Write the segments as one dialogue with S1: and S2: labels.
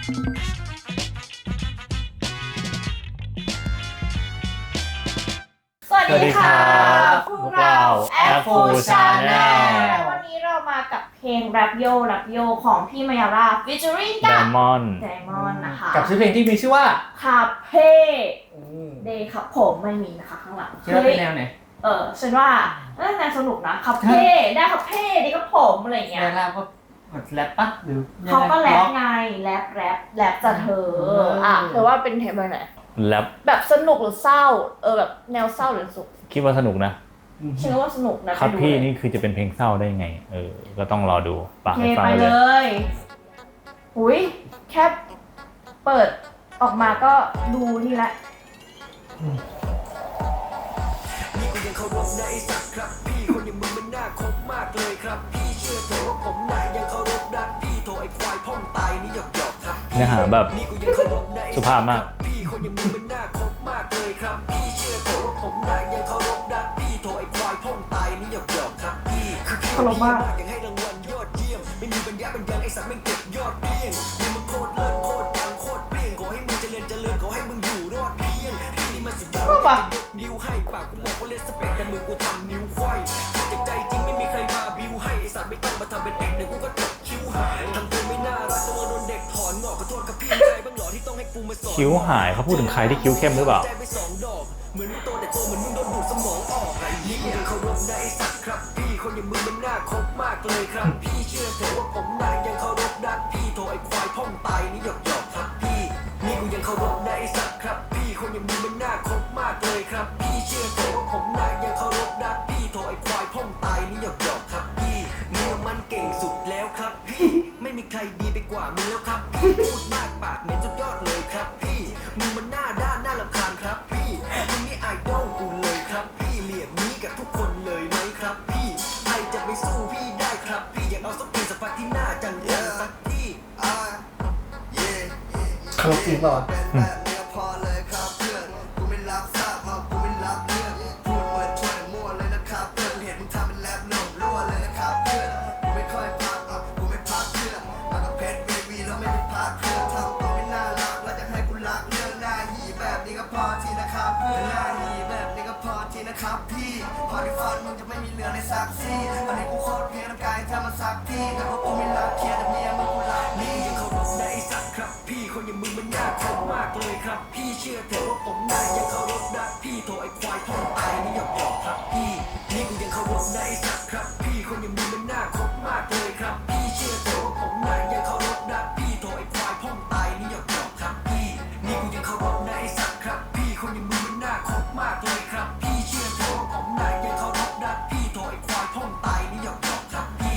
S1: สวัสดีค่ะพวกเรา Apple Channel วันนี้เรามากับเพลง Rap Yo Rap Yo ของพี่มายาร่า featuring กับ
S2: Diamond
S1: นะคะ
S3: กับชื่อเพลงที่มีชื่อว่า
S1: คาเฟ่เดย์ครับผมไม่มีนะคะข้างหลัง
S3: คิดว่าเป็นแนวไหน
S1: ฉันว่าน่าจะสนุกนะคาเฟ่ได้คาเฟ่ดีครับผมอะไรอย่างเงี้ย
S3: แล้วก็แรปปะหรือ
S1: เขาก็แรปไงแรปจะเธอเธอว่าเป็นเทปไหน
S2: แรป
S1: แบบสนุกหรือเศร้าแบบแนวเศร้าหรือสุข
S2: คิดว่าสนุกนะ
S1: ฉันว่าสนุกนะครับ
S2: พี่นี่คือจะเป็นเพลงเศร้าได้ไงก็ต้องรอดู
S1: ฟังไปเลยหุยแค่เปิดออกมาก็ดูนี่แหละ
S4: นี่กูยังเคารพในสักครับพี่คนอย่างมึงมันน่าคบมากเลยครับพี่เชื่อเถอะว่าผมน่ะยังเคารพรักพี่โทรไอ้ควายพ่องตายนี่หยอกครับ
S2: เนื้อหาแบบสุภาพมาก
S4: พี่คนอย่างมึงมันน่าคบมากเลยครับพี่เชื่อเถอะว่าผมน่ะยังเคารพรักพี่โทรไอ้ควายพ่องตายนี่หยอกครับพี่คือเคารพมากยังให้รางวัลยอดเยี่ยมไม่มีปัญญาเป็นยังไอ้สัตว์แม่งเก็บยอดเพียงมึงมันโคตรเลิศโคตรดังโคตรเปรี้ยงขอให้มึงเจริญขอให้มึงอยู่รอดเพียงพี่นี่มันสุดยอดนิ้วให้ปากกูบอกว่าเลสเปกแต่มือกูทำนิ้วไขว้จากใจจริงไม่มีใครมาบิวให้ไอ้สัตว์ไม่ต้องมาทำเป็นเอกเดี๋ยวกูก็ตกคิ้วหายทำตัวไม่น่ารักตัวโดนเด็กถอนงอกขอโทษกับพี่ใจบ้างหรอที่ต้องให้กูมาสอน
S2: คิ้วหายเขาพูดถึงใครที่คิ้วเข้มหรือเปล่า
S4: เหมือนโตแต่โตเหมือนมึงโดนดูดสมองออกไอ้นี่กูยังเคารพในไอ้สัตว์ครับพี่คนอย่างมึงมันน่าคบมากเลยครับพี่เชื่อเถอะว่าผมน่ะยังเคารพรักพี่โทรไอ้ควายพ่องตายนี่หยอกครับพี่นี่กูยังเคารพในไอ้สัตว์ครับพี่คนอย่างมึงมันน่าคบมากเลยครับพี่เชื่อเถอะว่าผมน่ะยังเคารพรักพี่โทรไอ้ควายพ่องตายนี่หยอกครับพี่มึงมันเก่งสุดแล้วครับพี่ไม่มีใครดีไปกว่ามึงแล้วครับพี่พูดมากปากเหม็นสุดยอดเลยครับพี่มึงมันหน้าด้านน่ารำคาญครับพี่มึงนี่ไอดอลกูเลยครับพี่เหลี่ยมนี้กับทุกคนเลยไหมครับพี่ใครจะไปสู้พี่ได้ครับพี่อยากเอาสักทีสักพักที่หน้าจังสักที่
S3: เขาจริงเปล่าวะ
S4: ครับพี่พอที่ฟันมึงจะไม่มีเหลือในซักซี่ตอนนี้กูโคตรเพี้ยนร่างกายถ้ามันซักที่แต่ว่ากูไม่รักเทียแต่เมียมึงกูรักนี่ยังเคารพในสัตว์ครับพี่คนอย่างมึงมันน่าคบมากเลยครับพี่เชื่อเถอะว่าผมน่ะยังเคารพรักพี่โทรไอ้ควายพ่องตายนี่หยอกครับพี่นี่กูยังเคารพในสัตว์ครับพี่คนอย่างมึงมันน่าคบมากเลยครับพี่เชื่อเถอะว่าผมน่ะยังเคารพรักพี่โทรไอ้ควายพ่องตายนี่หยอกครับพี่นี่กูยังเคารพในสัตว์ครับพี่คนอย่างมึงมันน่าคบมากเลยครับพี่เชื่อเถอะว่าผมน่ะยังเคารพรักพี่โทรไอ้ควายพ่องตายนี่หยอกครับพี่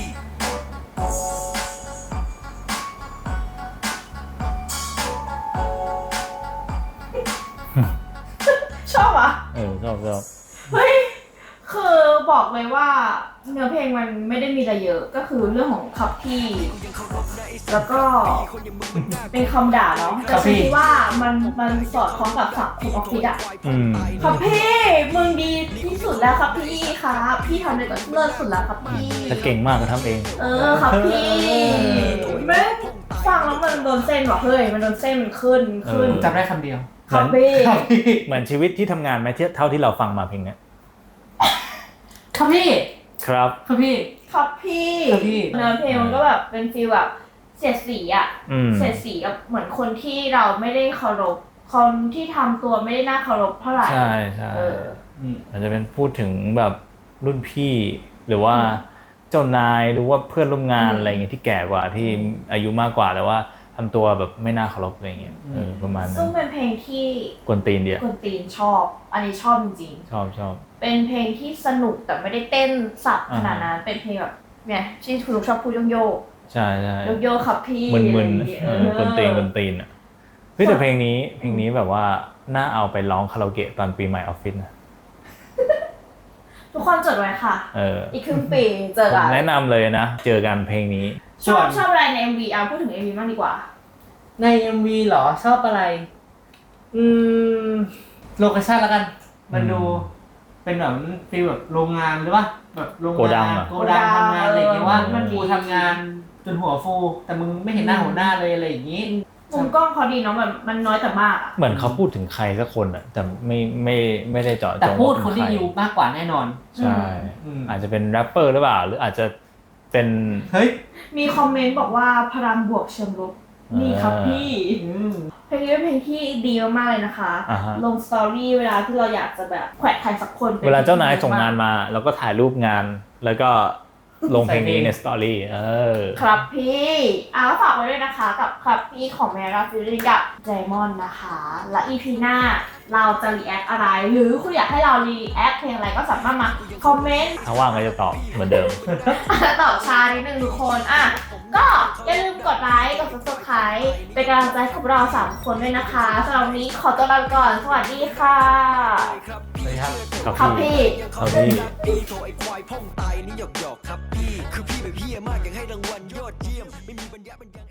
S1: ชอบอ่ะ
S2: ชอบ
S1: เฮ้ยคือบอกเลยว่าเนื้อเพลงมันไม่ได้มีอะไรเยอะก็คือเรื่องของคับพี่แล้วก็เป็นคำด่าเนาะแต่ฉันคิดว่ามันสอดคล้องกับสังคมออฟฟิศอะคับพี่มึงดีที่สุดแล้วครับพี่ครับพี่ทำได้แบบเลิศสุดแล้วครับพี่
S2: แต่เก่งมากก็ทำเอง
S1: ครับพี่แม่ฟังแล้วมันโดนเส้นว่ะเฮ้ยมันโดนเส้นมันขึ้น
S3: จำได้คำเดียว
S1: ครับพี่
S2: เหมือนชีวิตที่ทำงานไหมเท่าที่เราฟังมาเพลงนี้
S3: ครับพี่
S2: ครับ
S3: พี่
S1: เนื้อเพลงมันก็แบบเป็นฟีลแบบเสียดสีอ่ะเสียดสีกับเหมือนคนที่เราไม่ได้เคารพคนที่ทำตัวไม่ได้น่าเคารพเท่าไหร่
S2: ใช่อาจจะเป็นพูดถึงแบบรุ่นพี่หรือว่าเจ้านายหรือว่าเพื่อนร่วมงานอะไรเงี้ยที่แก่กว่าที่อายุมากกว่าแต่ว่าทำตัวแบบไม่น่าเคารพอะไรเงี้ยประมาณนั้น
S1: ซึ่งเป็นเพลงที่
S2: กวนตีนเดียว
S1: กวนตีนชอบอันนี้ชอบจริง
S2: ชอบ
S1: เป็นเพลงที่สนุกแต่ไม่ได้เต้นสับขนาดนั้นเป็นเพลงแบบเนี่ยที่คุณลูกชอบพูดโยก
S2: ใช่
S1: โยกครับพี่
S2: มึนกวนตีนอ่ะเฮ้ยแต่เพลงนี้แบบว่าน่าเอาไปร้องคาราโอเกะตอนปีใหม่ออฟฟิศนะ
S1: ทุกคนจดไว้ค่ะอีกครึ่งปีเจอกัน
S2: แนะนำเลยนะเจอกันเพลงนี้
S1: ชอบอะไรใน MV พูดถึง MV มากดีกว่า
S3: ใน MV เหรอชอบอะไรโลเคชั่นแล้วกันมันดูเป็นแบบฟีลแบบโรงงานหรือว่าแบบโรงงานโกดังทำงานอะไรอย่างเงี้ยว่ากูทำงานจนหัวฟูแต่มึงไม่เห็นหน้าหัวหน้าเลยอะไรอย่างงี้
S1: มุมกล้องเขาดีเนาะแบบมันน้อยแต่มากอะ
S2: เหมือนเขาพูดถึงใครสักคนอะแต่ไม่ได้เจาะจง
S3: แต่พูด
S2: ว่า
S3: คน
S2: เป็
S3: ที่
S2: ใร
S3: อยู่มากกว่าแน่นอน
S2: ใช่
S3: อืม
S2: อาจจะเป็นแรปเปอร์หรือเปล่าหรืออาจจะเป็น
S3: เฮ้ย
S1: มีคอมเมนต์บอกว่าพลังบวกเชิงลบนี่ครับพี่ เพลงนี้เป็นเพลงที่ดีมากๆเลยนะคะ
S2: อ่าฮะ
S1: ลงสตอรี่เวลาที่เราอยากจะแบบแขวะใครสักคนป็
S2: เวลาเจ้านายส่งงานมาเราก็ถ่ายรูปงาน แล้วก็ลงเพลงนี้
S3: ใส่เพลง
S2: ในสตอรี่
S1: ครับพี่ฝากไว้ด้วยนะคะกับครับพี่ของแมราฟิลิกับไดมอนด์นะคะ และ EP หน้าเราจะรีแอคอะไร หรือคุณอยากให้เรารีแอคเพลงอะไรก็สามารถมาคอมเมนต์
S2: ถ้าว่างก็จะตอบเหมือนเดิม
S1: ตอบช้านิดนึงทุกคนก็อย่าลืมกดไลค์กด subscribe เป็นกำลังใจให้กับเรา3คนด้วยนะคะสำหรับวันนี้ขอตัวลาไปก่อนสวัสดีค่ะ
S3: สวัสดีครับ
S1: ครับพี่
S2: ครับพี่
S4: พี่โทรไอ้ควายพ่องตายนี่หยอกครับพี่คือพี่แบบเฮียมากอยากให้รางวัลยอดเยี่ยมไม่มีปัญญา